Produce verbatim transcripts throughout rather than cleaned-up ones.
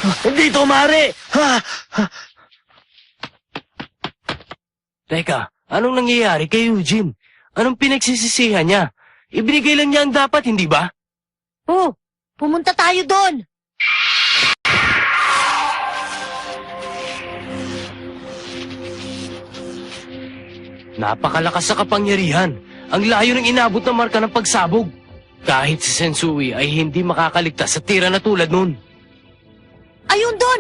Hindi ito maaari! Ha? Ha? Teka, anong nangyayari kay Eugene? Anong pinagsisisihan niya? Ibinigay lang niya ang dapat, hindi ba? Oh, pumunta tayo doon. Napakalakas sa kapangyarihan. Ang layo ng inabot na marka ng pagsabog. Kahit si Sensui ay hindi makakaligtas sa tira na tulad nun. Ayun doon!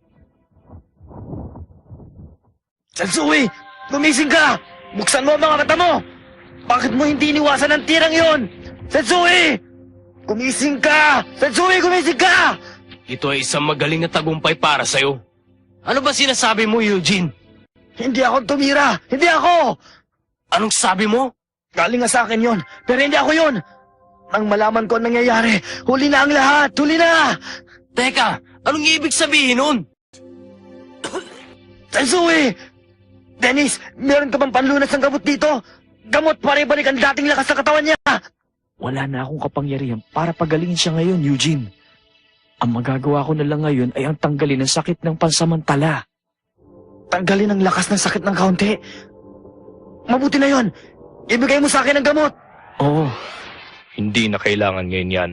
Sensui! Gumising ka! Buksan mo ang mga mata mo! Bakit mo hindi iniwasan ang tirang yon? Sensui! Gumising ka! Sensui, gumising ka! Ito ay isang magaling na tagumpay para sa'yo. Ano ba sinasabi mo, Eugene? Hindi ako tumira! Hindi ako! Anong sabi mo? Galing nga sa akin yon, pero hindi ako yon! Nang malaman ko ang nangyayari, huli na ang lahat! Huli na! Teka, anong ibig sabihin nun? Sensui! Dennis, meron ka bang panlunas ng gamot dito? Gamot para ibalik ang dating lakas ng katawan niya! Wala na akong kapangyarihan para pagalingin siya ngayon, Eugene. Ang magagawa ko na lang ngayon ay ang tanggalin ang sakit ng pansamantala. Tanggalin ang lakas ng sakit ng kaunti. Mabuti na yon. Ibigay mo sa akin ang gamot. Oo. Hindi na kailangan ngayon yan.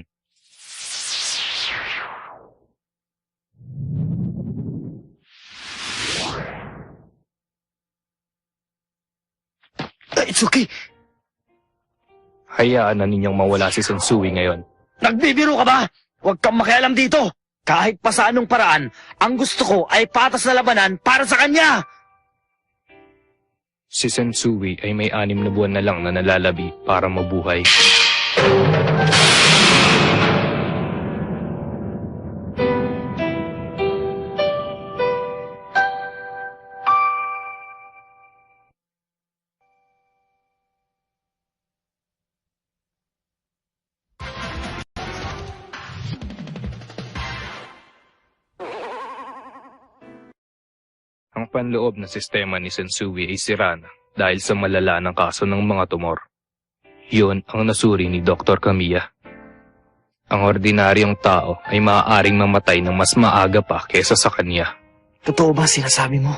Uh, It's okay. Hayaan na ninyong mawala si Sensui ngayon. Nagbibiro ka ba? Huwag kang makialam dito. Kahit pa sa anong paraan, ang gusto ko ay patas na labanan para sa kanya. Si Sensui ay may anim na buwan na lang na nalalabi para mabuhay. Ang panloob na sistema ni Sensui ay sira na dahil sa malala ng kaso ng mga tumor. Yun ang nasuri ni Doktor Kamiya. Ang ordinaryong tao ay maaaring mamatay ng mas maaga pa kesa sa kanya. Totoo ba sinasabi mo?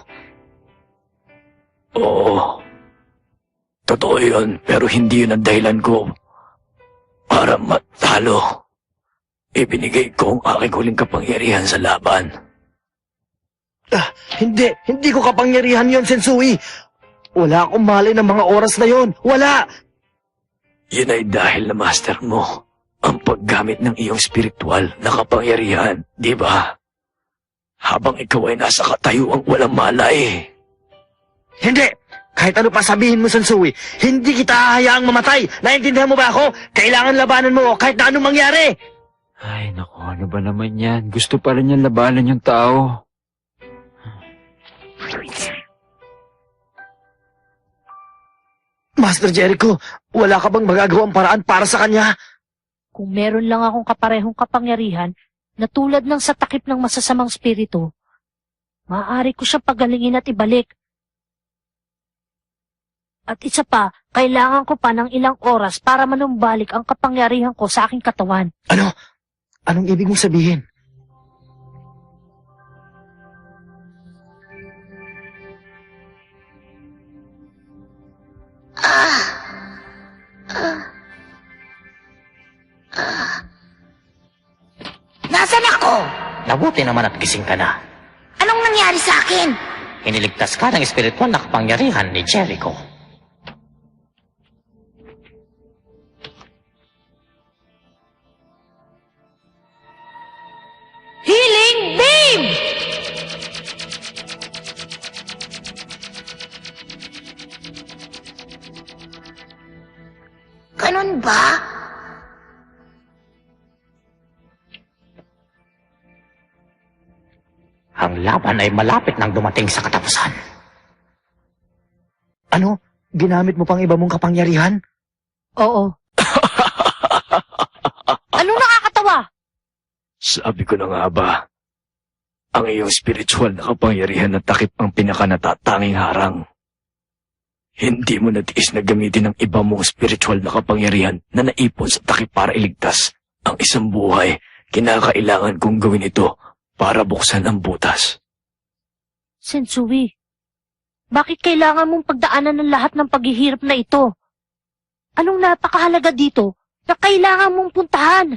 Oo. Totoo yun, pero hindi yun ang dahilan ko para matalo. Ibinigay ko ang aking huling kapangyarihan sa laban. Ah, hindi. Hindi ko kapangyarihan yon, Sensui. Wala akong malay ng mga oras na yon. Wala. Yun ay dahil na master mo ang paggamit ng iyong spiritual na kapangyarihan, di ba? Habang ikaw ay nasa katayuang walang malay. Hindi. Kahit ano pa sabihin mo, Sensui, hindi kita hahayaang mamatay. Naintindihan mo ba ako? Kailangan labanan mo kahit na anong mangyari. Ay, naku, ano ba naman yan? Gusto pa rin yan labanan yung tao. Master Jericho, wala ka bang magagawang paraan para sa kanya? Kung meron lang akong kaparehong kapangyarihan na tulad ng sa takip ng masasamang spirito, maaari ko siyang pagalingin at ibalik. At isa pa, kailangan ko pa ng ilang oras para manumbalik ang kapangyarihan ko sa aking katawan. Ano? Anong ibig mong sabihin? Nasaan ako? Mabuti naman at gising ka na. Anong nangyari sa akin? Iniligtas ka ng espiritual na kapangyarihan ni Jericho. Healing Beam! Ganun ba? Ang laban ay malapit nang dumating sa katapusan. Ano? Ginamit mo pang iba mong kapangyarihan? Oo. Anong nakakatawa? Sabi ko na nga ba, ang iyong spiritual na kapangyarihan na takip ang pinakanatatanging harang. Hindi mo natiis na gamitin ang iba mong spiritual na kapangyarihan na naipon sa takip para iligtas ang isang buhay. Kinakailangan kong gawin ito para buksan ang butas. Sensui, bakit kailangan mong pagdaanan ng lahat ng paghihirap na ito? Anong napakahalaga dito na kailangan mong puntahan?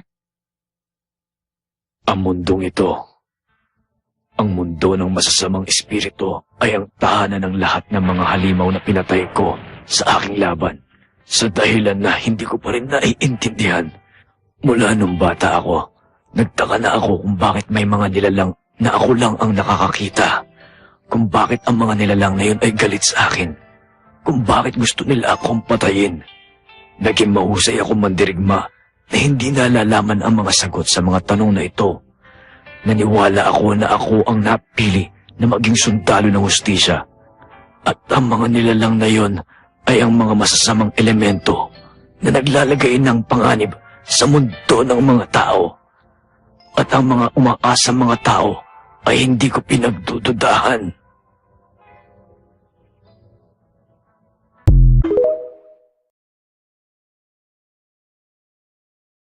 Ang mundong ito, ang mundo ng masasamang espiritu ay ang tahanan ng lahat ng mga halimaw na pinatay ko sa aking laban. Sa dahilan na hindi ko pa rin naiintindihan. Mula nung bata ako, nagtaka na ako kung bakit may mga nilalang na ako lang ang nakakakita. Kung bakit ang mga nilalang na yun ay galit sa akin. Kung bakit gusto nila akong patayin. Naging mahusay ako mandirigma na hindi nalalaman ang mga sagot sa mga tanong na ito. Naniwala ako na ako ang napili na maging sundalo ng hustisya. At ang mga nilalang na yon ay ang mga masasamang elemento na naglalagay ng panganib sa mundo ng mga tao. At ang mga umaasang mga tao ay hindi ko pinagdududahan.